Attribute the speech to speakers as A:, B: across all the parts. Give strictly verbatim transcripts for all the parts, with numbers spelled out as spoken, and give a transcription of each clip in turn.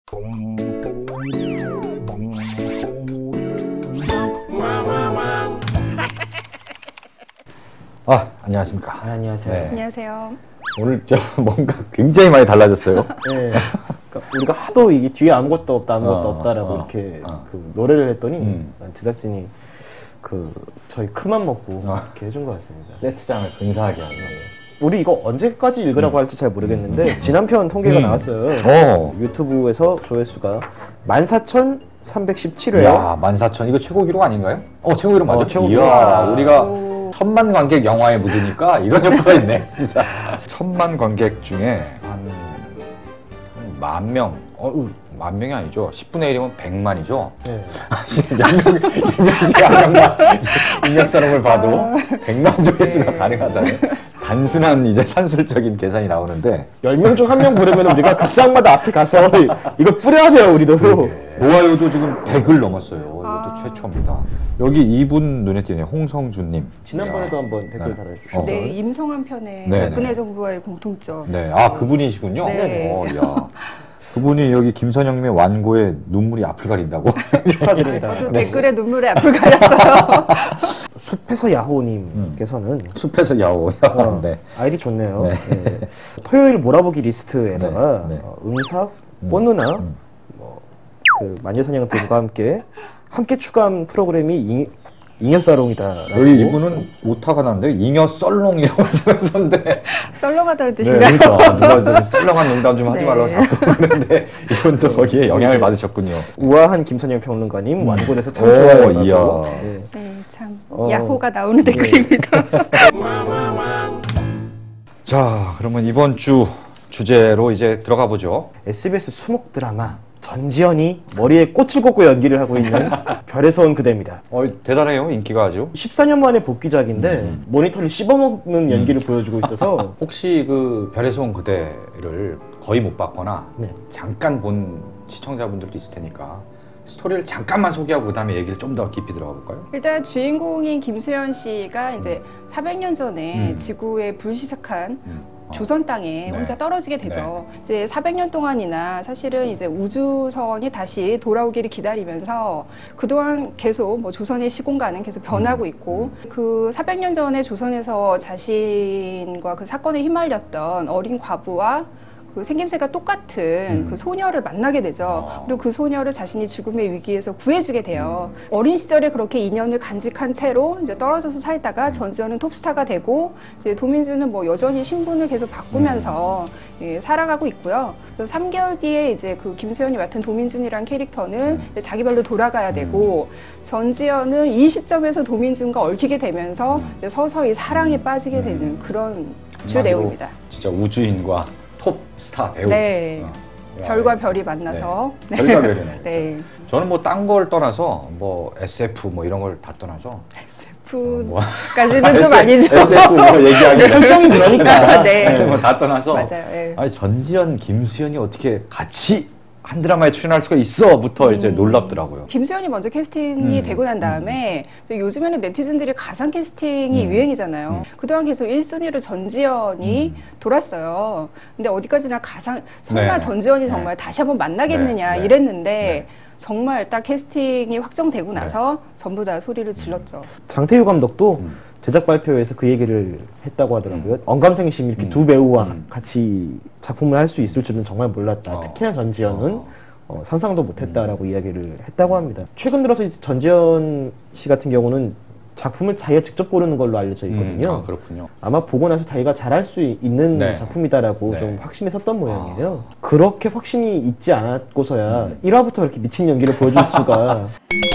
A: 아, 안녕하십니까.
B: 아, 안녕하세요.
C: 네. 안녕하세요.
A: 오늘 저 뭔가 굉장히 많이 달라졌어요.
B: 네. 그러니까 우리가 하도 이게 뒤에 아무것도 없다, 아무것도
A: 어,
B: 없다라고
A: 어,
B: 이렇게
A: 어.
B: 그 노래를 했더니
A: 음.
B: 제작진이 그 저희 큰맘 먹고
A: 어.
B: 이렇게 해준 것 같습니다.
A: 세트장을 근사하게 하는.
B: 우리 이거 언제까지 읽으라고
A: 음.
B: 할지 잘 모르겠는데 지난 편 통계가
A: 음.
B: 나왔어요.
A: 어.
B: 유튜브에서 조회수가 만 사천삼백십칠 회.
A: 야, 만 사천. 이거 최고 기록 아닌가요? 어, 최고 기록 맞아.
B: 어, 최고
A: 이야,
B: 기록.
A: 우리가
C: 오.
A: 천만 관객 영화에 묻으니까 이런 효과가 있네. 진짜. 천만 관객 중에 한 만 명. 어, 만 명이 아니죠. 십분의 일이면 백만이죠.
B: 네.
A: 인력 사람을 봐도 백만 조회수가
C: 네.
A: 가능하다는 단순한 이제 산술적인 계산이 나오는데
B: 열 명 중 한 명 부르면 우리가 극장마다 앞에 가서 이거 뿌려야 돼요, 우리도.
A: 좋아요도 지금 백을 넘었어요. 이것도
C: 아.
A: 최초입니다. 여기 이분 눈에 띄네요. 홍성준님.
B: 지난번에도 한번 댓글
A: 네.
B: 달아주셨죠.
A: 어.
C: 네, 임성한 편에
A: 네,
C: 박근혜
A: 네.
C: 정부와의 공통점.
A: 네, 아 그분이시군요.
C: 네.
A: 어, 야. 그분이 여기 김선영님의 완고에 눈물이 앞을 가린다고.
B: 축하드립니다.
C: 저도
B: 네.
C: 댓글에 눈물에 앞을 가렸어요.
B: 숲에서 야호님께서는
A: 숲에서 야오.
B: 어,
A: 네.
B: 아이디 좋네요.
A: 네.
B: 네. 토요일 몰아보기 리스트에다가
A: 네, 네.
B: 어, 음삭,
A: 음,
B: 꽃누나,
A: 음.
B: 뭐, 그 마녀사냥 등과 함께 함께 추가한 프로그램이 잉, 잉여사롱이다.
A: 여기 이분은 오타가 났는데 잉여 썰롱이라고 쓰면서인데.
C: 썰렁하다는
A: 네,
C: 뜻인가요?
A: 그러니까 누가 좀 썰렁한 농담 좀 하지
C: 네.
A: 말라고 자꾸 그러는데 이분도 거기에 영향을 받으셨군요.
B: 우아한 김선영 평론가님 완고돼서 참
A: 오,
B: 좋아요.
A: 이야.
B: 네.
C: 네, 참
B: 어.
C: 야호가 나오는
B: 네.
C: 댓글입니다.
A: 자, 그러면 이번 주 주제로 이제 들어가 보죠.
B: 에스비에스 수목 드라마 전지현이 머리에 꽃을 꽂고 연기를 하고 있는 별에서 온 그대입니다.
A: 어, 대단해요, 인기가 아주.
B: 십사 년 만에 복귀작인데
A: 음.
B: 모니터를 씹어먹는 연기를 보여주고 있어서
A: 혹시 그 별에서 온 그대를 거의 못 봤거나
B: 네.
A: 잠깐 본 시청자분들도 있을 테니까 스토리를 잠깐만 소개하고 그다음에 얘기를 좀 더 깊이 들어가 볼까요?
C: 일단 주인공인 김수현 씨가 이제 사백 년 전에
A: 음.
C: 지구에 불시착한
A: 음. 어.
C: 조선 땅에
A: 네.
C: 혼자 떨어지게 되죠. 이제 사백 년 동안이나 사실은 이제 우주선이 다시 돌아오기를 기다리면서 그동안 계속 뭐 조선의 시공간은 계속 변하고
A: 음.
C: 있고 그 사백 년 전에 조선에서 자신과 그 사건에 휘말렸던 어린 과부와 그 생김새가 똑같은
A: 음.
C: 그 소녀를 만나게 되죠.
A: 어.
C: 그리고 그 소녀를 자신이 죽음의 위기에서 구해주게 돼요. 어린 시절에 그렇게 인연을 간직한 채로 이제 떨어져서 살다가 전지현은 톱스타가 되고 이제 도민주는 뭐 여전히 신분을 계속 바꾸면서 예, 살아가고 있고요. 그래서 삼 개월 뒤에 이제 그 김수현이 맡은 도민준이란 캐릭터는 이제 자기 발로 돌아가야 되고 전지현은 이 시점에서 도민준과 얽히게 되면서 이제 서서히 사랑에 빠지게 되는 그런 주 내용입니다.
A: 진짜 우주인과 톱 스타 배우.
C: 네.
A: 어. 야,
C: 별과 별이 만나서
A: 네. 별과 별이네.
C: 네.
A: 저는 뭐 딴 걸 떠나서 뭐 에스에프 뭐 이런 걸 다 떠나서 뭐
C: 에스에프까지는 좀 아니죠.
A: 에스에프 뭐 얘기하기
B: 설정이 그러니까.
C: 네.
A: 뭐 다 떠나서
C: 맞아요. 네.
A: 아니 전지현, 김수현이 어떻게 같이 한 드라마에 출연할 수가 있어부터 이제 놀랍더라고요.
C: 김수현이 먼저 캐스팅이
A: 음,
C: 되고 난 다음에 요즘에는 네티즌들이 가상 캐스팅이
A: 음.
C: 유행이잖아요.
A: 음.
C: 그동안 계속 일 순위로 전지현이
A: 음.
C: 돌았어요. 근데 어디까지나 가상 설마
A: 네.
C: 전지현이
A: 네.
C: 정말 다시 한번 만나겠느냐
A: 네. 네.
C: 이랬는데
A: 네.
C: 정말 딱 캐스팅이 확정되고 나서 전부 다 소리를 질렀죠.
B: 장태유 감독도
A: 음.
B: 제작 발표에서 그 얘기를 했다고 하더라고요.
A: 음.
B: 언감생심 이렇게
A: 음.
B: 두 배우와
A: 음.
B: 같이 작품을 할 수 있을 줄은 정말 몰랐다.
A: 어.
B: 특히나 전지현은
A: 어.
B: 어, 상상도 못했다라고 이야기를 했다고 합니다. 최근 들어서 이제 전지현 씨 같은 경우는 작품을 자기가 직접 고르는 걸로 알려져 있거든요.
A: 음, 아, 그렇군요.
B: 아마 보고 나서 자기가 잘할 수 있는
A: 네.
B: 작품이다라고
A: 네.
B: 좀 확신이 섰던 모양이에요. 그렇게 확신이 있지 않았고서야
A: 음.
B: 일 화부터 이렇게 미친 연기를 보여줄 수가.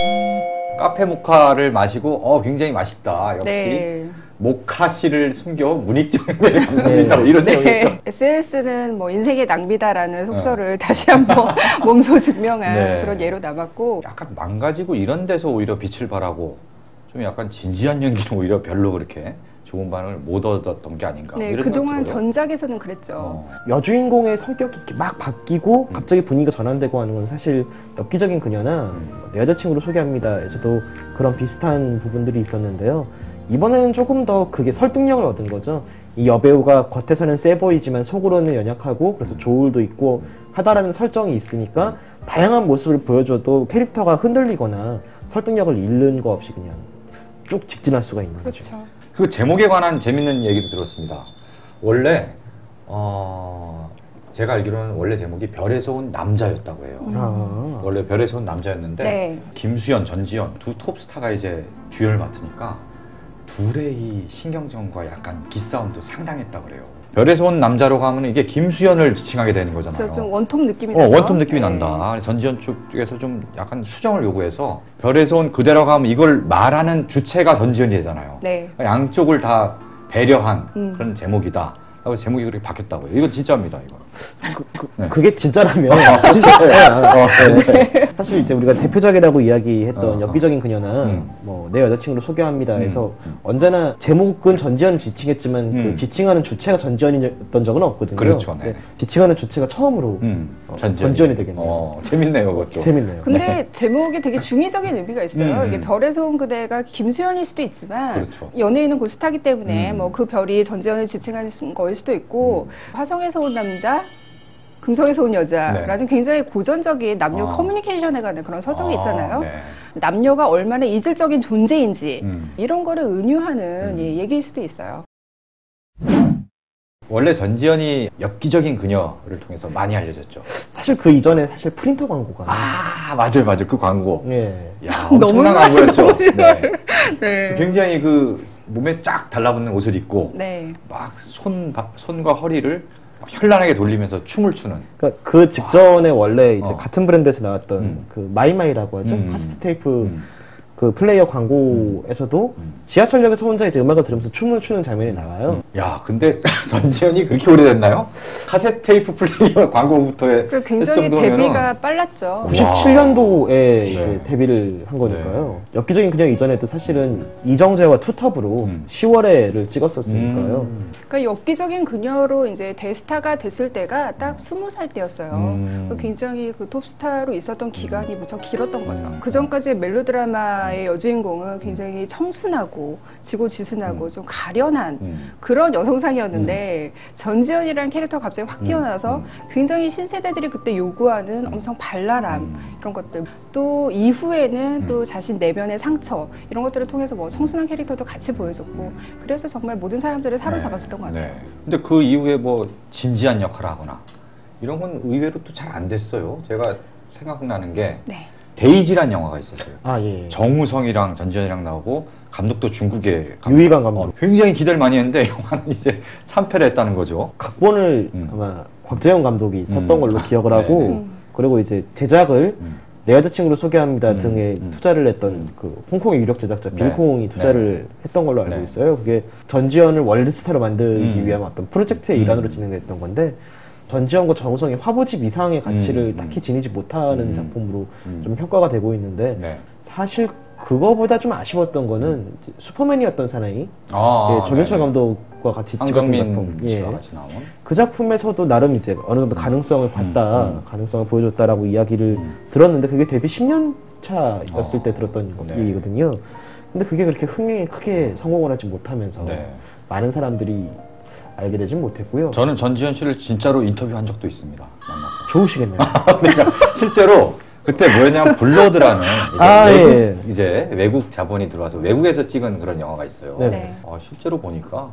A: 카페 모카를 마시고 어 굉장히 맛있다. 역시
C: 네.
A: 모카 씨를 숨겨 문익점에 감사합니다. 뭐 이런 내용이죠.
C: 네. 에스엔에스는 뭐 인생의 낭비다라는 속설을 다시 한번 몸소 증명한
A: 네.
C: 그런 예로 남았고
A: 약간 망가지고 이런 데서 오히려 빛을 발하고 좀 약간 진지한 연기는 오히려 별로 그렇게 좋은 반응을 못 얻었던 게 아닌가.
C: 네,
A: 이런
C: 그동안
A: 생각이 들어요.
C: 전작에서는 그랬죠.
A: 어.
B: 여주인공의 성격이 이렇게 막 바뀌고
A: 음.
B: 갑자기 분위기가 전환되고 하는 건 사실 엽기적인 그녀나
A: 음.
B: 내 여자친구를 소개합니다에서도 그런 비슷한 부분들이 있었는데요. 이번에는 조금 더 그게 설득력을 얻은 거죠. 이 여배우가 겉에서는 세 보이지만 속으로는 연약하고 그래서 조울도 있고 하다라는 설정이 있으니까 다양한 모습을 보여줘도 캐릭터가 흔들리거나 설득력을 잃는 거 없이 그냥 쭉 직진할 수가 있는 거죠.
C: 그렇죠.
A: 그 제목에 관한 재밌는 얘기도 들었습니다. 원래 어 제가 알기로는 원래 제목이 별에서 온 남자였다고 해요.
B: 아.
A: 원래 별에서 온 남자였는데
C: 네.
A: 김수현, 전지현 두 톱스타가 이제 주연을 맡으니까 둘의 이 신경전과 약간 기싸움도 상당했다 그래요. 별에서 온 남자로 가면 이게 김수현을 지칭하게 되는 거잖아요.
C: 그래서 좀 원톱 느낌이
A: 어,
C: 나죠.
A: 원톱 느낌이
C: 네.
A: 난다. 전지현 쪽에서 좀 약간 수정을 요구해서 별에서 온 그대로 가면 이걸 말하는 주체가 전지현이 되잖아요.
C: 네.
A: 양쪽을 다 배려한
C: 음.
A: 그런 제목이다. 하고 제목이 그렇게 바뀌었다고요. 이건 진짜입니다, 이거.
B: 그, 그,
A: 네.
B: 그게 진짜라면
A: 어, 진짜예요. 어, 네.
B: 사실 이제 우리가 대표작이라고 이야기했던
A: 어,
B: 엽기적인 그녀나
A: 음.
B: 뭐 내 여자친구를 소개합니다 해서
A: 음, 음.
B: 언제나 제목은 전지현을 지칭했지만
A: 음.
B: 그 지칭하는 주체가 전지현이었던 적은 없거든요.
A: 그렇죠, 네.
B: 네. 지칭하는 주체가 처음으로
A: 음,
B: 어,
A: 전지현이.
B: 전지현이 되겠네요.
A: 어, 재밌네요, 그것도.
B: 재밌네요.
C: 근데 제목이 되게 중의적인 의미가 있어요.
A: 음.
C: 이게 별에서 온 그대가 김수현일 수도 있지만
A: 그렇죠.
C: 연예인은 곧 스타기 때문에
A: 음.
C: 뭐 그 별이 전지현을 지칭하는 거일 수도 있고 화성에서 온 남자, 금성에서 온 여자라는 굉장히 고전적인 남녀
A: 아.
C: 커뮤니케이션에 관한 그런 서정이
A: 아,
C: 있잖아요.
A: 네.
C: 남녀가 얼마나 이질적인 존재인지
A: 음.
C: 이런 거를 은유하는
A: 음.
C: 예, 얘기일 수도 있어요.
A: 원래 전지현이 엽기적인 그녀를 통해서 많이 알려졌죠.
B: 사실 그 이전에 사실 프린터 광고가
A: 아, 맞아요, 맞아요. 그 광고.
B: 예.
A: 야,
C: 너무
A: 엄청난 광고였죠.
C: 너무
A: 네.
C: 네.
A: 굉장히 그 몸에 쫙 달라붙는 옷을 입고
C: 네.
A: 막 손, 손과 허리를 막 현란하게 돌리면서 춤을 추는.
B: 그러니까 그 직전에 원래 이제
A: 어.
B: 같은 브랜드에서 나왔던
A: 음.
B: 그 마이마이라고 하죠.
A: 음.
B: 카세트 테이프
A: 음.
B: 그 플레이어 광고에서도
A: 음.
B: 지하철역에서 혼자 이제 음악을 들으면서 춤을 추는 장면이 나와요.
A: 야, 근데 전지현이 그렇게 오래됐나요? 카세트 테이프 플레이어 광고부터의
C: 그 굉장히 데뷔가 빨랐죠.
B: 구십칠 년도에
A: 네.
B: 이제 데뷔를 한 거니까요. 엽기적인 그녀 이전에도 사실은 이정재와 투톱으로
A: 음.
B: 시월에를 찍었었으니까요.
A: 음.
C: 그러니까 엽기적인 그녀로 이제 대스타가 됐을 때가 딱 스무 살 때였어요.
A: 음.
C: 굉장히 그 톱스타로 있었던 기간이 무척 길었던 거죠.
A: 음.
C: 그 전까지 멜로드라마의 여주인공은 굉장히 청순하고 지고지순하고
A: 음.
C: 좀 가련한
A: 음.
C: 그런 여성상이었는데 전지현이라는 캐릭터가 갑자기 확 뛰어나서
A: 음.
C: 굉장히 신세대들이 그때 요구하는 엄청 발랄함
A: 음.
C: 이런 것들 또 이후에는
A: 음.
C: 또 자신 내면의 상처 이런 것들을 통해서 뭐 청순한 캐릭터도 같이 보여줬고 그래서 정말 모든 사람들을 사로잡았었던 것 같아요.
A: 네. 근데 그 이후에 뭐 진지한 역할을 하거나 이런 건 의외로 또 잘 안 됐어요. 제가 생각나는 게
C: 네.
A: 데이지란 영화가 있었어요.
B: 아, 예.
A: 정우성이랑 전지현이랑 나오고 감독도 중국의 감독.
B: 유희관 감독.
A: 어, 굉장히 기대를 많이 했는데 영화는 이제 참패를 했다는 거죠.
B: 각본을
A: 음.
B: 아마 곽재영 감독이 썼던
A: 음.
B: 걸로 기억을
A: 아,
B: 하고
A: 네네.
C: 음.
B: 그리고 이제 제작을
A: 음.
B: 내 여자친구를 소개합니다
A: 음.
B: 등에
A: 음.
B: 투자를 했던 그 홍콩의 유력 제작자
A: 네.
B: 빌콩이 투자를 했던 걸로 알고
A: 네.
B: 있어요. 그게 전지현을 월드스타로 만들기
A: 음.
B: 위한 어떤 프로젝트의
A: 음.
B: 일환으로 진행됐던 건데 전지현과 정우성이 화보집 이상의 가치를
A: 음.
B: 딱히 지니지 못하는
A: 음.
B: 작품으로
A: 음.
B: 좀 평가가 되고 있는데
A: 네.
B: 사실 그거보다 좀 아쉬웠던 거는 이제 슈퍼맨이었던 사나이
A: 아,
B: 예, 정윤철
A: 네네.
B: 감독과 같이 찍었던
A: 한정민
B: 작품. 예.
A: 씨와 같이 나온.
B: 그 작품에서도 나름 이제 어느 정도 가능성을 봤다,
A: 음.
B: 가능성을 보여줬다라고 이야기를
A: 음.
B: 들었는데 그게 데뷔 십 년 차였을
A: 어.
B: 때 들었던
A: 네.
B: 얘기거든요. 근데 그게 그렇게 흥행에 크게 성공을 하지 못하면서
A: 네.
B: 많은 사람들이 알게 되진 못했고요.
A: 저는 전지현 씨를 진짜로 인터뷰한 적도 있습니다. 만나서.
B: 좋으시겠네요.
A: 그러니까 실제로 그때 뭐였냐면 블러드라는 이제,
B: 아,
A: 외국,
B: 예.
A: 이제 외국 자본이 들어와서 외국에서 찍은 그런 영화가 있어요.
B: 네.
C: 네.
A: 아, 실제로 보니까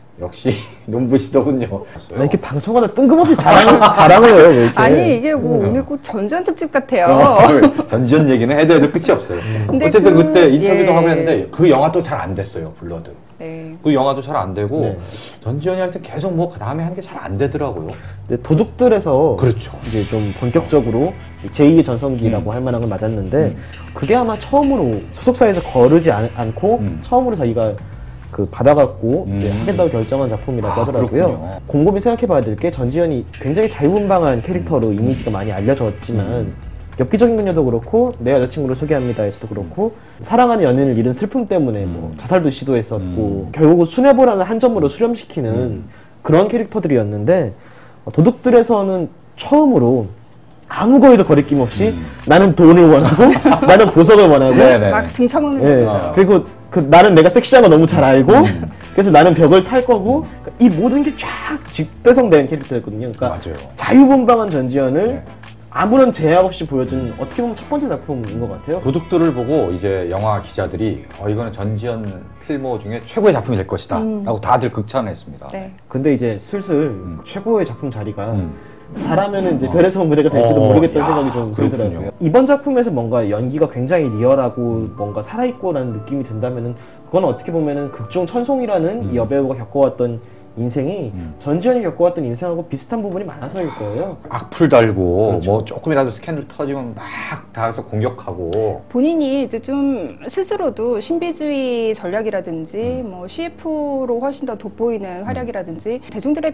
A: 역시 눈부시더군요.
B: 아, 이렇게 방송하다 뜬금없이 자랑을, 자랑을 해요, 왜 이렇게.
C: 아니 이게 뭐
A: 음.
C: 오늘 꼭 전전 특집 같아요.
A: 어, 전지현 얘기는 해도 해도 끝이 없어요.
C: 근데
A: 어쨌든
C: 그-
A: 그, 때 인터뷰도
C: 예.
A: 하고 했는데 그 영화도 잘 안 됐어요. 블러드.
C: 네.
A: 그 영화도 잘 안 되고
B: 네.
A: 전지현이 할 때 계속 뭐 다음에 하는 게 잘 안 되더라고요.
B: 근데 도둑들에서
A: 그렇죠.
B: 이제 좀 본격적으로 제이의 전성기라고
A: 음.
B: 할 만한 걸 맞았는데
A: 음.
B: 그게 아마 처음으로 소속사에서 거르지 않, 않고
A: 음.
B: 처음으로 자기가 그 받아갖고 이제
A: 음.
B: 하겠다고 결정한 작품이라고
A: 아,
B: 하더라고요.
A: 그렇군요.
B: 곰곰이 생각해봐야 될 게 전지현이 굉장히 자유분방한 캐릭터로 이미지가 많이 알려졌지만
A: 음.
B: 엽기적인 그녀도 그렇고 내 여자친구를 소개합니다에서도 그렇고 사랑하는 연인을 잃은 슬픔 때문에 뭐
A: 음.
B: 자살도 시도했었고
A: 음.
B: 결국은 수뇌보라는 한 점으로 수렴시키는
A: 음.
B: 그런 캐릭터들이었는데 어, 도둑들에서는 처음으로 아무 거에도 거리낌 없이
A: 음.
B: 나는 돈을 원하고 나는 보석을 원하고
A: 네네.
C: 막 등쳐먹는
B: 예,
C: 거죠.
A: 아.
B: 그리고 그 나는 내가 섹시한 거 너무 잘 알고
A: 음.
B: 그래서 나는 벽을 탈 거고 이 모든 게 쫙 집대성된 캐릭터였거든요. 그러니까
A: 맞아요.
B: 자유분방한 전지현을
A: 네.
B: 아무런 제약 없이 보여준 어떻게 보면 첫 번째 작품인 것 같아요.
A: 도둑들을 보고 이제 영화 기자들이 어 이거는 전지현 필모 중에 최고의 작품이 될 것이다
C: 음.
A: 라고 다들 극찬했습니다.
C: 네.
B: 근데 이제 슬슬 최고의 작품 자리가
A: 음.
B: 잘하면은 이제 별에서 온 그대가 될지도
A: 어,
B: 모르겠다는
A: 야,
B: 생각이 좀
A: 그렇군요.
B: 들더라고요. 이번 작품에서 뭔가 연기가 굉장히 리얼하고 뭔가 살아있고라는 느낌이 든다면은 그건 어떻게 보면은 극중 천송이라는
A: 음.
B: 이 여배우가 겪어왔던 인생이
A: 음.
B: 전지현이 겪어왔던 인생하고 비슷한 부분이 많아서일 거예요.
A: 악플 달고
B: 그렇죠.
A: 뭐 조금이라도 스캔들 터지면 막 다가서 공격하고
C: 본인이 이제 좀 스스로도 신비주의 전략이라든지 뭐 씨에프로 훨씬 더 돋보이는 활약이라든지 대중들의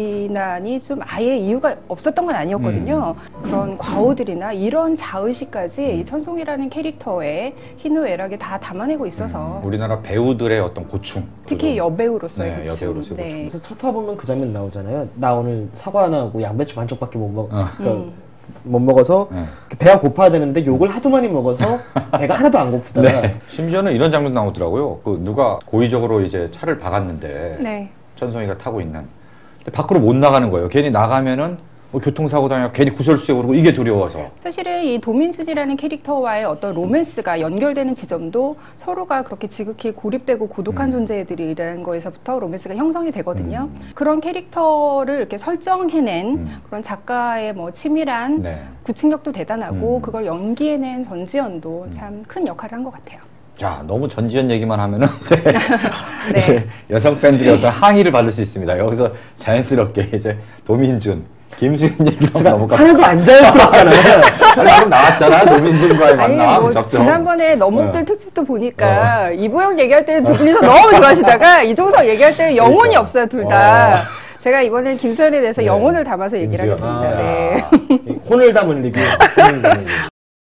C: 비난이 좀 아예 이유가 없었던 건 아니었거든요. 그런 과오들이나 이런 자의식까지 이 천송이라는 캐릭터의 희노애락에 다 담아내고 있어서
A: 우리나라 배우들의 어떤 고충
C: 특히
A: 그죠?
C: 여배우로서의
A: 네,
C: 고충.
A: 여배우로서의 고충.
B: 그래서 첫 화보면 그 장면 나오잖아요. 나 오늘 사과 하나하고 양배추 반쪽밖에 못 먹,
A: 어.
B: 그러니까
C: 음.
B: 못 먹어서
A: 네.
B: 배가 고파야 되는데 욕을 하도 많이 먹어서 배가 하나도 안 고프다가
A: 네. 심지어는 이런 장면도 나오더라고요. 그 누가 고의적으로 이제 차를 박았는데
C: 네.
A: 천송이가 타고 있는 근데 밖으로 못 나가는 거예요. 괜히 나가면은 뭐 교통사고 당하고 괜히 구설수에 오르고 이게 두려워서.
C: 사실은 이 도민준이라는 캐릭터와의 어떤 로맨스가 연결되는 지점도 서로가 그렇게 지극히 고립되고 고독한
A: 음.
C: 존재들이라는 거에서부터 로맨스가 형성이 되거든요. 음. 그런 캐릭터를 이렇게 설정해낸
A: 음.
C: 그런 작가의 뭐 치밀한
A: 네.
C: 구축력도 대단하고
A: 음.
C: 그걸 연기해낸 전지현도 참 큰 역할을 한 것 같아요.
A: 자, 너무 전지현 얘기만 하면은 이제,
C: 네.
A: 이제 여성 팬들의 어떤 항의를 받을 수 있습니다. 여기서 자연스럽게 이제 도민준, 김수현 얘기로 넘어가.
B: 하나도 안 자연스럽잖아요.
A: 아니, 지금 나왔잖아. 도민준과의
C: 아니
A: 만남.
C: 뭐
A: 적정.
C: 지난번에 너목들
A: 어.
C: 특집도 보니까 이보영 얘기할 때는 두 분이서 너무 좋아하시다가 이종석 얘기할 때는 영혼이
A: 그러니까.
C: 없어요, 둘 다.
A: 어.
C: 제가 이번엔 김수현에 대해서
A: 네.
C: 영혼을 담아서 얘기를
A: 김수현.
C: 하겠습니다.
A: 아,
C: 네.
A: 야.
B: 혼을 담은 리뷰. 혼을 담은 리뷰.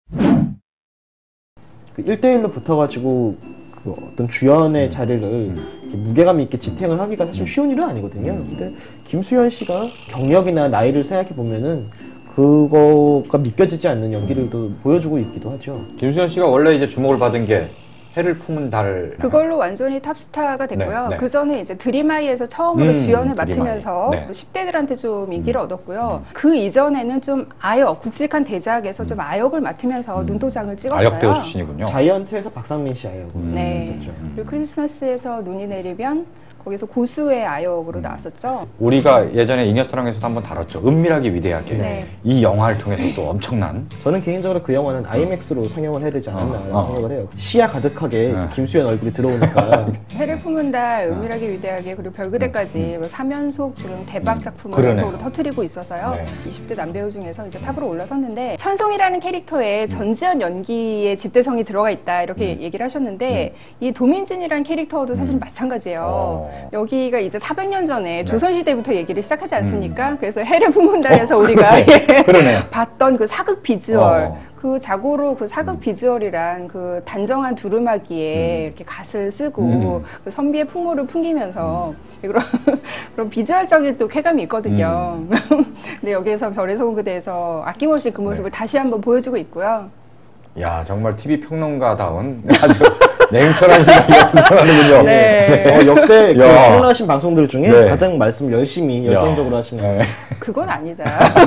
B: 그 일 대일로 붙어가지고 그 어떤 주연의 자리를 이렇게 무게감 있게 지탱을 하기가 사실 쉬운 일은 아니거든요. 근데 김수현 씨가 경력이나 나이를 생각해 보면은 그거가 믿겨지지 않는 연기를 또 보여주고 있기도 하죠.
A: 김수현 씨가 원래 이제 주목을 받은 게 해를 품은 달.
C: 그걸로 완전히 탑스타가 됐고요.
A: 네, 네.
C: 그 전에 이제 드림아이에서 처음으로
A: 음,
C: 주연을
A: 드림아이.
C: 맡으면서
A: 네.
C: 십 대들한테 좀 인기를 얻었고요. 그 이전에는 좀 아역, 굵직한 대작에서 좀 아역을 맡으면서 눈도장을 찍었어요.
A: 아역 배우 출신이군요.
B: 자이언트에서 박상민 씨 아역으로
C: 네.
B: 있었죠.
C: 그리고 크리스마스에서 눈이 내리면 거기서 고수의 아역으로 나왔었죠.
A: 우리가 예전에 잉여사랑에서도 한번 다뤘죠. 은밀하게 위대하게.
C: 네.
A: 이 영화를 통해서 또 엄청난.
B: 저는 개인적으로 그 영화는 아이맥스로 상영을 해야 되지 않았나라는
A: 어, 어.
B: 생각을 해요. 시야 가득하게
A: 네.
B: 김수현 얼굴이 들어오니까
C: 해를 품은 달, 은밀하게 위대하게, 그리고 별그대까지 뭐 삼 연속 지금 대박 작품을
A: 그러네요.
C: 연속으로 터뜨리고 있어서요.
A: 네.
C: 이십 대 남배우 중에서 이제 탑으로 올라섰는데, 천송이라는 캐릭터에 전지현 연기의 집대성이 들어가 있다, 이렇게 얘기를 하셨는데, 이 도민준이라는 캐릭터도 사실 마찬가지예요.
A: 어.
C: 여기가 이제 사백 년 전에
A: 네.
C: 조선시대부터 얘기를 시작하지 않습니까? 그래서 해를 품은 달에서 우리가 예,
A: 그러네요.
C: 봤던 그 사극 비주얼,
A: 어.
C: 그 자고로 그 사극 비주얼이란 그 단정한 두루마기에 이렇게 갓을 쓰고
A: 음.
C: 그 선비의 풍모를 풍기면서 그런 그런 비주얼적인 또 쾌감이 있거든요. 근데 여기에서 별에서 온 그대에서 아낌없이 그 모습을
A: 네.
C: 다시 한번 보여주고 있고요.
A: 야, 정말 티비 평론가다운 아주 냉철한 시각이 나오는군요.
C: 네.
B: 어, 역대 그
A: 야.
B: 출연하신 방송들 중에
A: 네.
B: 가장 말씀을 열심히 열정적으로 하시는
A: 네.
C: 그건 아니다.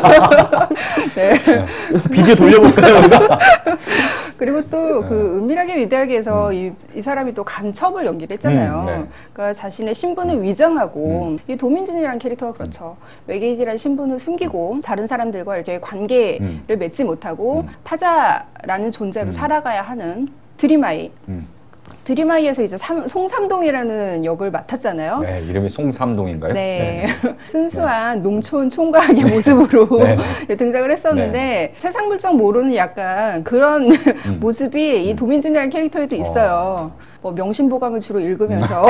C: 네.
B: 비디오 돌려볼까요 우리가?
C: 그리고 또
A: 네.
C: 그 은밀하게 위대하게에서 이, 이 사람이 또 간첩을 연기를 했잖아요.
A: 음, 네.
C: 그러니까 자신의 신분을 위장하고 이 도민준이라는 캐릭터가 그렇죠. 외계인이라는 신분을 숨기고 다른 사람들과 이렇게 관계를
A: 음.
C: 맺지 못하고 타자라는 존재로 살아가야 하는 드림아이.
A: 음.
C: 드림아이에서 이제 삼, 송삼동이라는 역을 맡았잖아요.
A: 네, 이름이 송삼동인가요?
C: 네. 순수한 농촌 총각의 모습으로
A: 네.
C: 등장을 했었는데 세상 물정 모르는 약간 그런
A: 음.
C: 모습이 이 도민준이라는 캐릭터에도 있어요. 뭐 명심보감을 주로 읽으면서.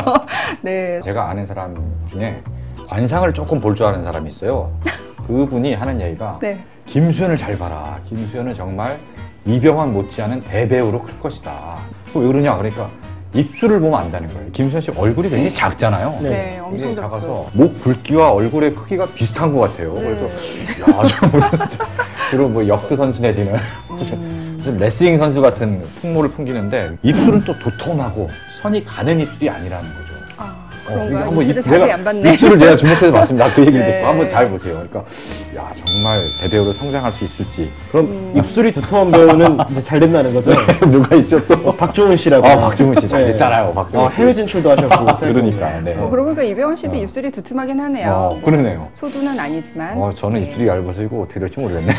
C: 네.
A: 제가 아는 사람 중에 관상을 조금 볼 줄 아는 사람이 있어요. 그분이 하는 얘기가
C: 네.
A: 김수현을 잘 봐라. 김수현은 정말 이병헌 못지않은 대배우로 클 것이다. 왜 그러냐? 그러니까 입술을 보면 안다는 거예요. 김수현 씨 얼굴이 굉장히 작잖아요.
B: 네.
C: 네, 엄청
A: 이게
C: 작죠.
A: 작아서 목 굵기와 얼굴의 크기가 비슷한 것 같아요.
C: 네.
A: 그래서 야, 저 무슨 주로 뭐 역도 선수 내지는 무슨,
C: 음.
A: 무슨 레슬링 선수 같은 풍모를 풍기는데 입술은 또 도톰하고 선이 가는 입술이 아니라는 거죠.
C: 아, 그런가?
A: 한번
C: 입술을
A: 입-
C: 자세히
A: 제가
C: 안 봤네.
A: 입술을 제가 주목해서 봤습니다. 그 얘기를
C: 네.
A: 듣고 한번 잘 보세요. 그러니까 야 정말 대배우로 성장할 수 있을지
B: 그럼
C: 음.
B: 입술이 두터운 배우는 이제 잘 된다는 거죠?
A: 누가 있죠 또?
B: 어, 박주훈 씨라고.
A: 아 박지훈 씨 잘
B: 네.
A: 됐잖아요. 박지훈
B: 어,
A: 씨.
B: 해외 진출도 하셨고.
A: 그러니까 네.
C: 어, 그러고 보니까 이병헌 씨도
A: 어.
C: 입술이 두툼하긴 하네요.
A: 어, 그러네요.
C: 소두는 아니지만.
A: 어 저는
C: 네.
A: 입술이 얇아서 이거 어떻게 될지 모르겠네.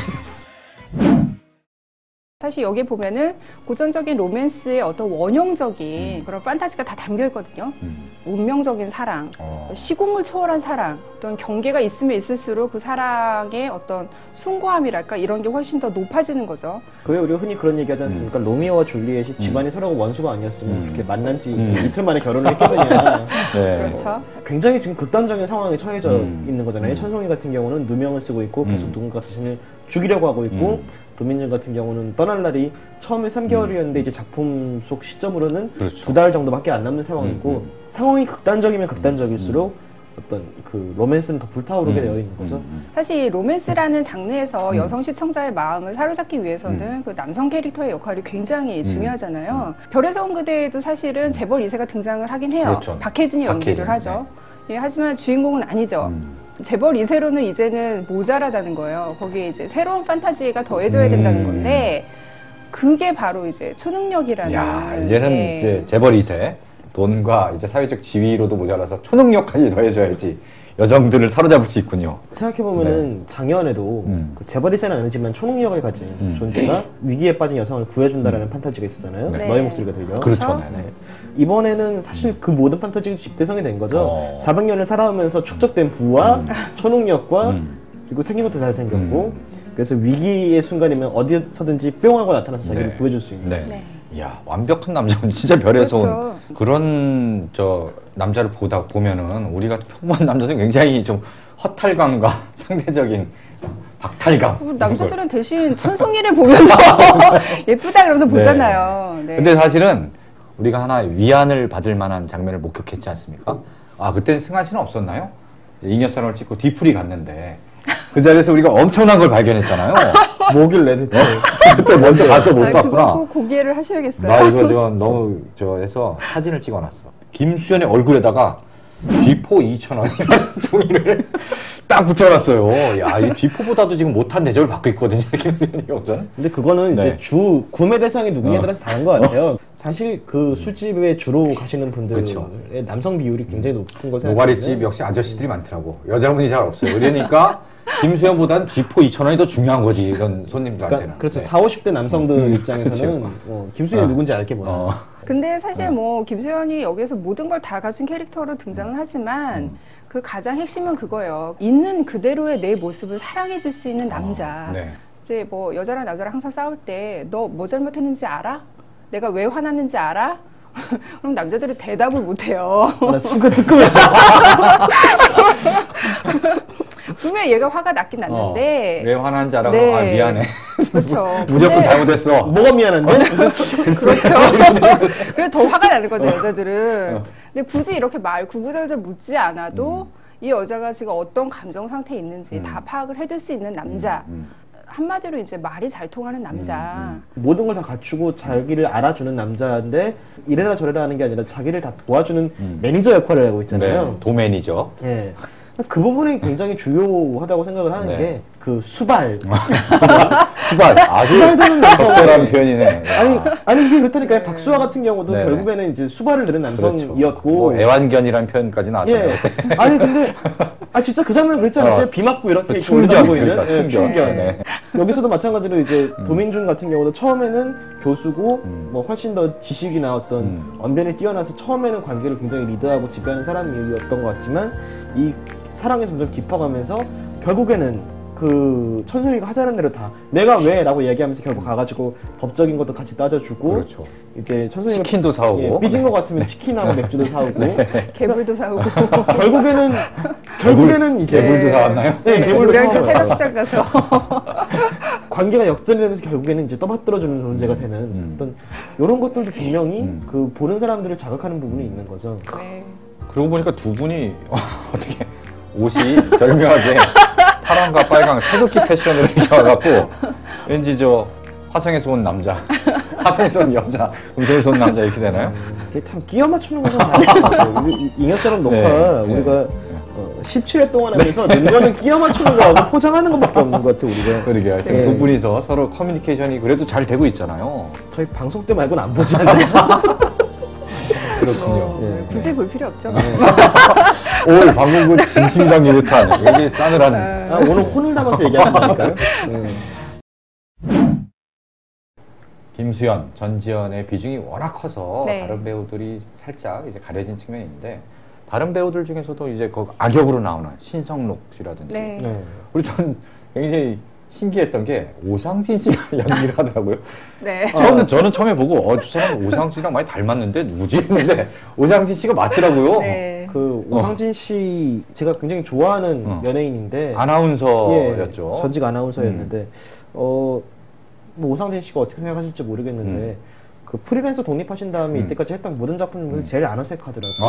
C: 사실 여기 보면은 고전적인 로맨스의 어떤 원형적인
A: 음.
C: 그런 판타지가 다 담겨 있거든요.
A: 음.
C: 운명적인 사랑,
A: 어.
C: 시공을 초월한 사랑, 어떤 경계가 있으면 있을수록 그 사랑의 어떤 숭고함이랄까 이런 게 훨씬 더 높아지는 거죠.
B: 그게 우리가 흔히 그런 얘기 하지 않습니까? 로미오와 줄리엣이 집안이 서로가 원수가 아니었으면
A: 음.
B: 그렇게 만난 지
A: 음.
B: 이틀 만에 결혼을 했겠느냐.
A: 네.
C: 그렇죠.
B: 굉장히 지금 극단적인 상황에 처해져
A: 음.
B: 있는 거잖아요.
A: 음.
B: 천송이 같은 경우는 누명을 쓰고 있고 계속
A: 음.
B: 누군가 자신을 죽이려고 하고 있고
A: 음.
B: 도민준 같은 경우는 떠날 날이 처음에 삼 개월이었는데 이제 작품 속 시점으로는
A: 그렇죠.
B: 두 달 정도밖에 안 남는 상황이고
A: 음, 음.
B: 상황이 극단적이면 극단적일수록 어떤 그 로맨스는 더 불타오르게
A: 음.
B: 되어 있는 거죠.
A: 음.
C: 사실 이 로맨스라는 장르에서
A: 음.
C: 여성 시청자의 마음을 사로잡기 위해서는
A: 음.
C: 그 남성 캐릭터의 역할이 굉장히
A: 음.
C: 중요하잖아요. 별에서 온 그대에도 사실은 재벌 이 세가 등장을 하긴 해요.
A: 그렇죠.
C: 박혜진이 연기를
A: 박혜진,
C: 하죠. 예, 하지만 주인공은 아니죠.
A: 음.
C: 재벌 이 세로는 이제는 모자라다는 거예요. 거기에 이제 새로운 판타지가 더해져야 된다는
A: 음.
C: 건데 그게 바로 이제 초능력이라는.
A: 야 이제는
C: 예.
A: 이제 재벌 이 세 돈과 이제 사회적 지위로도 모자라서 초능력까지 더해줘야지 여성들을 사로잡을 수 있군요.
B: 생각해보면은 작년에도
A: 네. 음.
B: 그 재벌이세는 아니지만 초능력을 가진
A: 음.
B: 존재가 위기에 빠진 여성을 구해준다라는 판타지가 있었잖아요.
C: 네.
B: 너의 목소리가 들려.
A: 그렇죠.
C: 그렇죠?
A: 네네.
B: 이번에는 사실 그 모든 판타지가 집대성이 된 거죠.
A: 어.
B: 사백 년을 살아오면서 축적된 부와
A: 음.
B: 초능력과
A: 음.
B: 그리고 생긴 것도 잘생겼고
A: 음.
B: 그래서 위기의 순간이면 어디서든지 뿅 하고 나타나서 자기를
A: 네.
B: 구해줄 수 있는.
A: 네.
C: 네.
A: 이야 완벽한 남자는 진짜 별에서
C: 그렇죠.
A: 온 그런 저 남자를 보다 보면은 우리가 평범한 남자들은 굉장히 좀 허탈감과 상대적인 박탈감.
C: 그럼 남자들은 대신 천송이를 보면서 예쁘다 그러면서 보잖아요. 네.
A: 근데 사실은 우리가 하나 위안을 받을 만한 장면을 목격했지 않습니까? 아 그때 승환 씨는 없었나요? 이제 잉여사랑을 찍고 뒤풀이 갔는데 그 자리에서 우리가 엄청난 걸 발견했잖아요.
B: 뭐길래 대체.
A: 그때 먼저 가서 못
C: 아, 그거
A: 봤구나.
C: 꼭 고개를 하셔야겠어요.
A: 나 이거 지금 너무 저 해서 사진을 찍어놨어. 김수현의 얼굴에다가 쥐포 이천 원이라는 종이를 딱 붙여놨어요. 야, 이 쥐포보다도 지금 못한 대접을 받고 있거든요, 김수현이 우선.
B: 근데 그거는
A: 네.
B: 이제 주 구매 대상이 누구냐에
A: 어.
B: 따라서 다른 것 같아요. 사실 그 술집에 주로 가시는 분들의
A: 그쵸.
B: 남성 비율이 굉장히 높은 것을
A: 노가리집 역시 아저씨들이 많더라고. 여자분이 잘 없어요. 그러니까 김수현보단 쥐포 이천 원이 더 중요한 거지, 이런 손님들한테는.
B: 그러니까 그렇죠.
A: 네.
B: 사오십 대 남성들
A: 음,
B: 입장에서는
A: 그렇죠.
B: 어, 김수현이
A: 어.
B: 누군지 알게 뭐야.
A: 어.
C: 근데 사실 뭐 김수현이 여기서 모든 걸 다 가진 캐릭터로 등장을 하지만
A: 음.
C: 그 가장 핵심은 그거예요. 있는 그대로의 내 모습을 사랑해줄 수 있는 남자.
A: 어, 네.
C: 이제 뭐 여자랑 남자랑 항상 싸울 때 너 뭐 잘못했는지 알아? 내가 왜 화났는지 알아? 그럼 남자들이 대답을 못해요.
B: 나 순간 뜨끔했어.
C: 분명 얘가 화가 났긴 났는데.
A: 어, 왜 화난지 알아?
C: 네.
A: 아, 미안해.
C: 그렇죠.
A: 무조건
C: 근데-
A: 잘못했어.
B: 뭐가 미안한데?
C: 그렇죠. 그래서 더 화가 나는 거죠, 여자들은.
A: 어.
C: 근데 굳이 이렇게 말 구구절절 묻지 않아도 이 여자가 지금 어떤 감정 상태에 있는지
A: 음.
C: 다 파악을 해줄 수 있는 남자.
A: 음,
C: 한마디로 이제 말이 잘 통하는 남자.
A: 음,
B: 모든 걸 다 갖추고 자기를 알아주는 남자인데 이래라 저래라 하는 게 아니라 자기를 다 도와주는
A: 음.
B: 매니저 역할을 하고
A: 네.
B: 있잖아요.
A: 도맨이죠.
B: 예. 그 부분이 굉장히 중요하다고 생각을 하는
A: 네.
B: 게 그 수발.
A: 수발. 아주
B: 수발되는 남성.
A: 적절한 표현이네. 야.
B: 아니 아니 이게 그렇다니까요. 박수아 같은 경우도
A: 네네.
B: 결국에는 이제 수발을 들은
A: 그렇죠.
B: 남성이었고.
A: 뭐 애완견이라는 표현까지 나왔잖아요.
B: 예.
A: 그때.
B: 아니 근데 아 진짜 그 장면 그랬지 않았어요?
A: 어.
B: 비 맞고 이렇게 이렇게
A: 충견,
B: 올라가고 있는
A: 그러니까
B: 예,
A: 충견.
B: 충견.
A: 네.
B: 여기서도 마찬가지로 이제 도민준 같은 경우도 처음에는 교수고
A: 음.
B: 뭐 훨씬 더 지식이나 어떤
A: 음.
B: 언변이 뛰어나서 처음에는 관계를 굉장히 리드하고 지배하는 사람이었던 것 같지만 이 사랑이 점점 깊어가면서 결국에는 그 천순이가 하자는 대로 다 내가 왜? 라고 얘기하면서 결국 가가지고 법적인 것도 같이 따져주고
A: 그렇죠.
B: 이제 천순이가
A: 치킨도 사오고.
B: 예, 삐진 것 같으면 치킨하고 맥주도 사오고
C: 개불도 사오고.
B: 결국에는 결국에는 이제
A: 개불도 사왔나요?
B: 네, 개불도
C: 노량진
B: 사와요.
C: 새벽 시장 가서.
B: 관계가 역전이 되면서 결국에는 이제 떠받들어주는 존재가 되는
A: 음.
B: 어떤 이런 것들도 분명히
A: 음.
B: 그 보는 사람들을 자극하는 부분이 있는 거죠.
C: 네.
A: 그러고 보니까 두 분이 어떻게 옷이 절묘하게 파란과 빨강 태극기 패션으로 이렇게 와갖고 왠지 저 화성에서 온 남자 화성에 쏜 여자, 금성에 쏜 남자 이렇게 되나요?
B: 이게 참 끼워 맞추는 것은 아니에요. 잉여처럼 녹화
A: 네, 네.
B: 우리가 어, 십칠 회 동안 하면서 는 거는 끼워 맞추는 거하고 포장하는 것밖에 없는 것 같아요, 우리가.
A: 그러게 하여튼
B: 네.
A: 두 분이서 서로 커뮤니케이션이 그래도 잘 되고 있잖아요.
B: 저희 방송 때 말고는 안 보지 않나요?
A: 그렇군요.
C: 어,
B: 예.
C: 굳이 볼 필요 없죠.
A: 오, 방금 그 진심이 담긴 듯한 굉장히 싸늘한.
B: 아, 오늘 혼을 담아서 얘기하신다니까요? 네.
A: 김수현, 전지현의 비중이 워낙 커서
C: 네.
A: 다른 배우들이 살짝 이제 가려진 측면이 있는데 다른 배우들 중에서도 이제 그 악역으로 나오는 신성록 씨라든지
C: 네.
B: 네.
A: 그리고 전 굉장히 신기했던 게 오상진 씨가 연기를 하더라고요.
C: 네.
A: 처음 저는 처음에 보고 어, 저 사람 오상진 씨랑 많이 닮았는데 누구지 했는데 오상진 씨가 맞더라고요.
C: 네.
B: 그 오상진 씨 제가 굉장히 좋아하는
A: 어.
B: 연예인인데
A: 아나운서였죠.
B: 예, 전직 아나운서였는데 어, 뭐 오상진 씨가 어떻게 생각하실지 모르겠는데
A: 음.
B: 그 프리랜서 독립하신 다음에
A: 음.
B: 이때까지 했던 모든 작품 중에서 제일 안 어색하더라고요.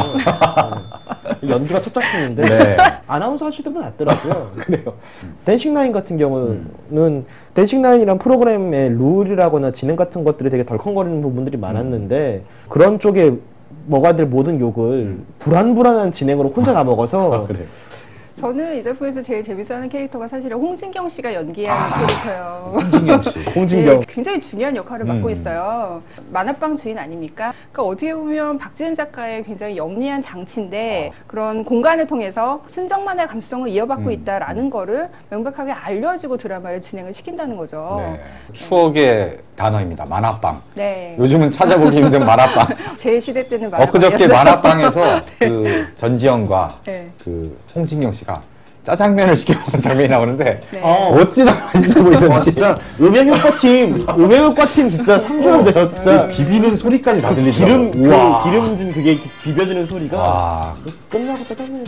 B: 네. 연기가 첫 작품인데
A: 네.
B: 아나운서 하시던 분 낫더라고요.
A: 그래요.
B: 댄싱라인 같은 경우는 댄싱라인이란 프로그램의 룰이라거나 진행 같은 것들이 되게 덜컹거리는 부분들이 많았는데 그런 쪽에 뭐가 될 모든 욕을 불안불안한 진행으로 혼자 다 먹어서
A: 아, 그래요.
C: 저는 이 작품에서 제일 재밌어하는 캐릭터가 사실은 홍진경 씨가 연기한
A: 아.
C: 캐릭터예요.
A: 홍진경 씨.
B: 홍진경
C: 네, 굉장히 중요한 역할을 맡고
A: 음.
C: 있어요. 만화방 주인 아닙니까? 그러니까 어떻게 보면 박지은 작가의 굉장히 영리한 장치인데 그런 공간을 통해서 순정만화의 감수성을 이어받고
A: 음.
C: 있다라는 거를 명백하게 알려주고 드라마를 진행을 시킨다는 거죠.
A: 네. 추억의 단어입니다. 만화방.
C: 네.
A: 요즘은 찾아보기 힘든 만화방.
C: 제 시대 때는 만화방이었어요.
A: 엊그저께 만화방에서 그 전지현과
C: 네.
A: 그 홍진경 씨가 짜장면을 시켜 먹는 장면이 나오는데
C: 네.
B: 어.
A: 어찌나 맛있어 보이던지
B: 와, 진짜 음향효과팀 음향효과팀 진짜 상조돼요 진짜
A: 비비는 소리까지 다
B: 그
A: 들리더라고요.
B: 기름
A: 우와.
B: 그 기름진 그게 비벼지는 소리가
A: 아,
B: 끝나고 짜장면이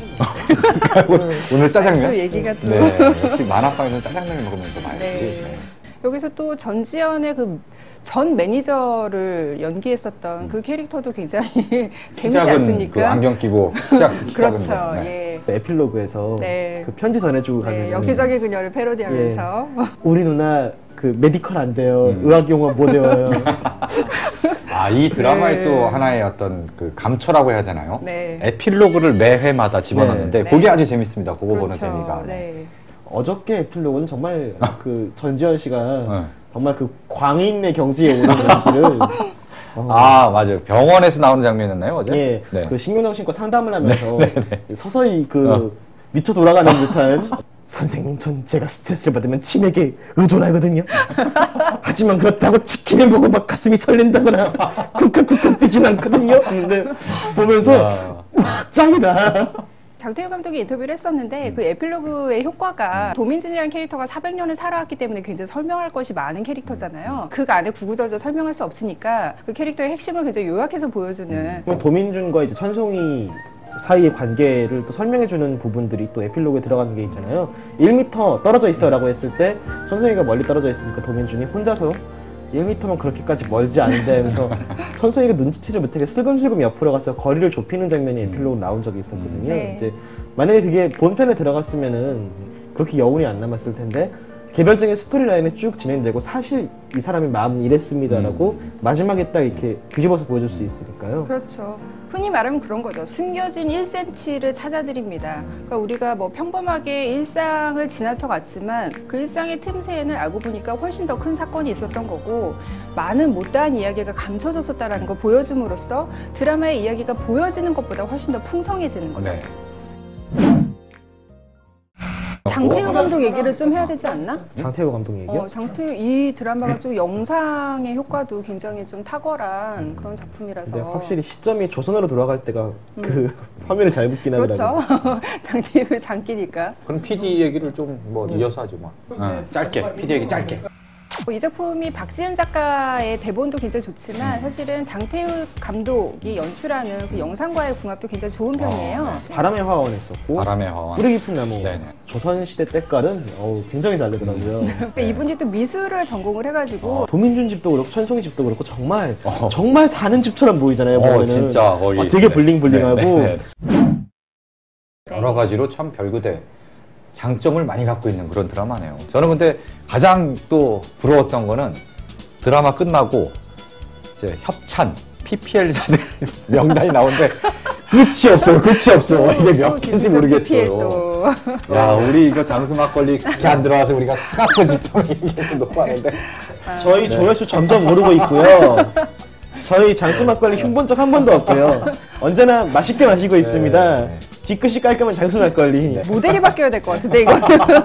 A: 오늘 짜장면?
C: 또 얘기가 또.
A: 네, 역시 만화방에서 짜장면을 먹으면서 봐야지.
C: 네.
A: 네.
C: 여기서 또 전지현의 그 전 매니저를 연기했었던 그 캐릭터도 굉장히 재밌지
A: 시작은
C: 않습니까?
A: 그 안경 끼고 시작, 시작은
C: 그렇죠.
A: 뭐, 네.
C: 예.
B: 에필로그에서
C: 네.
B: 그 편지 전해주고 가면
C: 네, 엽기적인 그녀를 패러디하면서
B: 우리 누나 그 메디컬 안 돼요
A: 음.
B: 의학용어 못 외워요
A: 아, 이 드라마의
C: 네.
A: 또 하나의 어떤 그 감초라고 해야 되나요?
C: 네.
A: 에필로그를 매 회마다 집어넣는데
C: 네.
A: 그게
C: 네.
A: 아주 재밌습니다. 그거 보는
C: 그렇죠.
A: 재미가. 네.
C: 네.
B: 어저께 에필로그는 정말 그 전지현 씨가
A: 네.
B: 정말 그 광인의 경지에 오는 연기를 어,
A: 아, 맞아요. 병원에서 나오는 장면이었나요, 어제?
B: 예,
A: 네.
B: 그 신경정신과 상담을 하면서 서서히 그
A: 어.
B: 미쳐 돌아가는 듯한 선생님, 전 제가 스트레스를 받으면 치맥에 의존하거든요. 하지만 그렇다고 치킨을 먹고 막 가슴이 설렌다거나 쿵쾅쿵쾅 뛰진 않거든요. 근데 보면서
A: 야.
B: 와, 짱이다.
C: 장태우 감독이 인터뷰를 했었는데 그 에필로그의 효과가 도민준이라는 캐릭터가 사백 년을 살아왔기 때문에 굉장히 설명할 것이 많은 캐릭터잖아요. 그 안에 구구절절 설명할 수 없으니까 그 캐릭터의 핵심을 굉장히 요약해서 보여주는
B: 그럼 도민준과 이제 천송이 사이의 관계를 또 설명해주는 부분들이 또 에필로그에 들어가는 게 있잖아요. 일 미터 떨어져 있어라고 했을 때 천송이가 멀리 떨어져 있으니까 도민준이 혼자서 일 미터면 그렇게까지 멀지 않은데 하면서 천송이가 눈치채지 못하게 슬금슬금 옆으로 가서 거리를 좁히는 장면이 에필로그 나온 적이 있었거든요.
C: 네.
B: 이제 만약에 그게 본편에 들어갔으면은 그렇게 여운이 안 남았을 텐데 개별적인 스토리라인이 쭉 진행되고 사실 이 사람의 마음은 이랬습니다라고 마지막에 딱 이렇게 뒤집어서 보여줄 수 있으니까요.
C: 그렇죠. 흔히 말하면 그런 거죠. 숨겨진 일 센티미터를 찾아드립니다. 그러니까 우리가 뭐 평범하게 일상을 지나쳐 갔지만 그 일상의 틈새에는 알고 보니까 훨씬 더 큰 사건이 있었던 거고 많은 못다한 이야기가 감춰졌었다는 걸 보여줌으로써 드라마의 이야기가 보여지는 것보다 훨씬 더 풍성해지는 거죠.
A: 네.
C: 장태우 감독 얘기를 좀 해야 되지 않나?
B: 장태호 감독 얘기요?
C: 어, 장태우 이 드라마가 좀 영상의 효과도 굉장히 좀 탁월한 그런 작품이라서.
B: 근데 확실히 시점이 조선으로 돌아갈 때가 그 화면에 잘 붙긴 하더라고요.
C: 그렇죠. 장태우 장기니까.
A: 그럼 피디 얘기를 좀 뭐 이어서 하죠, 뭐. 어, 짧게. 피디 얘기 짧게.
C: 이 작품이 박지은 작가의 대본도 굉장히 좋지만 사실은 장태우 감독이 연출하는 그 영상과의 궁합도 굉장히 좋은 편이에요.
B: 바람의 화원 했었고
A: 바람의 화원.
B: 뿌리 깊은 나무
A: 네네.
B: 조선시대 때깔은 어우, 굉장히 잘 되더라고요.
C: 그러니까 이분이 또 미술을 전공을 해가지고
B: 도민준 집도 그렇고 천송이 집도 그렇고 정말
A: 어.
B: 정말 사는 집처럼 보이잖아요.
A: 어,
B: 보면은.
A: 진짜 거의.
B: 아, 되게
A: 네.
B: 블링블링하고
A: 네, 네, 네.
C: 네.
A: 여러 가지로 참 별그대 장점을 많이 갖고 있는 그런 드라마네요. 저는 근데 가장 또 부러웠던 거는 드라마 끝나고 이제 협찬, 피피엘사들 명단이 나오는데 끝이 없어요. 끝이 없어. 이게 몇 개인지 모르겠어요. 야, 우리 이거 장수 막걸리 그렇게 안 들어와서 우리가 사갖고 집통 얘기해서 놓고 하는데
B: 저희 조회수 점점 오르고 있고요. 저희 장수 막걸리 흉본 적 한 번도 없고요. 언제나 맛있게 마시고 있습니다.
A: 네.
B: 뒤끝이 깔끔한 장수 막걸리.
C: 모델이 바뀌어야 될 것 같은데 이거.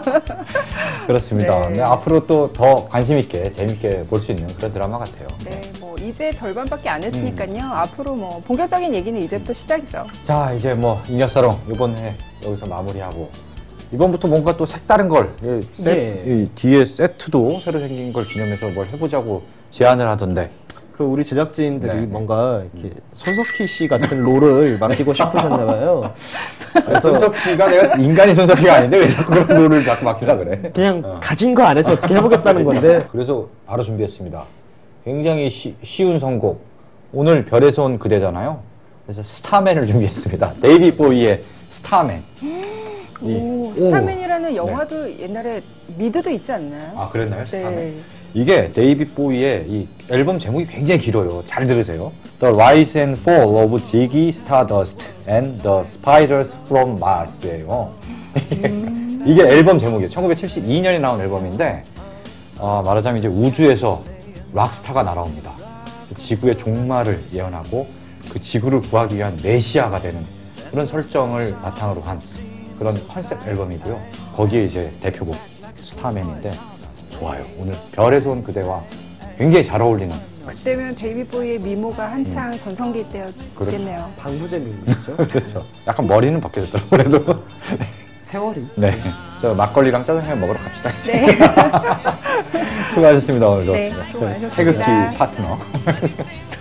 A: 그렇습니다.
C: 네.
A: 네, 앞으로 또 더 관심 있게 재밌게 볼 수 있는 그런 드라마 같아요.
C: 네, 뭐 이제 절반밖에 안 했으니까요. 앞으로 뭐 본격적인 얘기는 이제부터 시작이죠.
A: 자, 이제 뭐 잉여사롱 이번에 여기서 마무리하고 이번부터 뭔가 또 색다른 걸 이 세트,
B: 네.
A: 이 뒤에 세트도 새로 생긴 걸 기념해서 뭘 해보자고 제안을 하던데
B: 그 우리 제작진들이
A: 네.
B: 뭔가 이렇게 손석희 씨 같은 롤을 맡기고 싶으셨나 봐요.
A: 그래서 손석희가 내가 인간이 손석희가 아닌데 왜 자꾸 그런 롤을 자꾸 맡기라 그래?
B: 그냥
A: 어.
B: 가진 거 안에서 어떻게 해보겠다는 건데.
A: 그래서 바로 준비했습니다. 굉장히 쉬, 쉬운 선곡. 오늘 별에서 온 그대잖아요. 그래서 스타맨을 준비했습니다. 데이비 보이의 스타맨. 이-
C: 오, 스타맨이라는 영화도 옛날에 미드도 있지 않나요?
A: 아, 그랬나요? 스타맨.
C: 네.
A: 이게 데이비 보이의 이 앨범 제목이 굉장히 길어요. 잘 들으세요. The Rise and Fall of Ziggy Stardust and the Spiders from Mars예요.
C: 음.
A: 이게 앨범 제목이에요. 천구백칠십이 년에 나온 앨범인데 어, 말하자면 이제 우주에서 락스타가 날아옵니다. 지구의 종말을 예언하고 그 지구를 구하기 위한 메시아가 되는 그런 설정을 바탕으로 한 그런 컨셉 앨범이고요. 거기에 이제 대표곡 스타맨인데 좋아요. 오늘 별에서 온 그대와 굉장히 잘 어울리는.
C: 그때면 데이비 보이의 미모가 한창 전성기 때였겠네요.
B: 방부제민이죠.
A: 그렇죠. 약간 머리는 바뀌었더라고요. 그래도.
B: 세월이.
A: 네. 저 막걸리랑 짜장면 먹으러 갑시다. 이제.
C: 네.
A: 수고하셨습니다. 오늘도.
C: 네, 수고하셨습니다.
A: 태극기 파트너.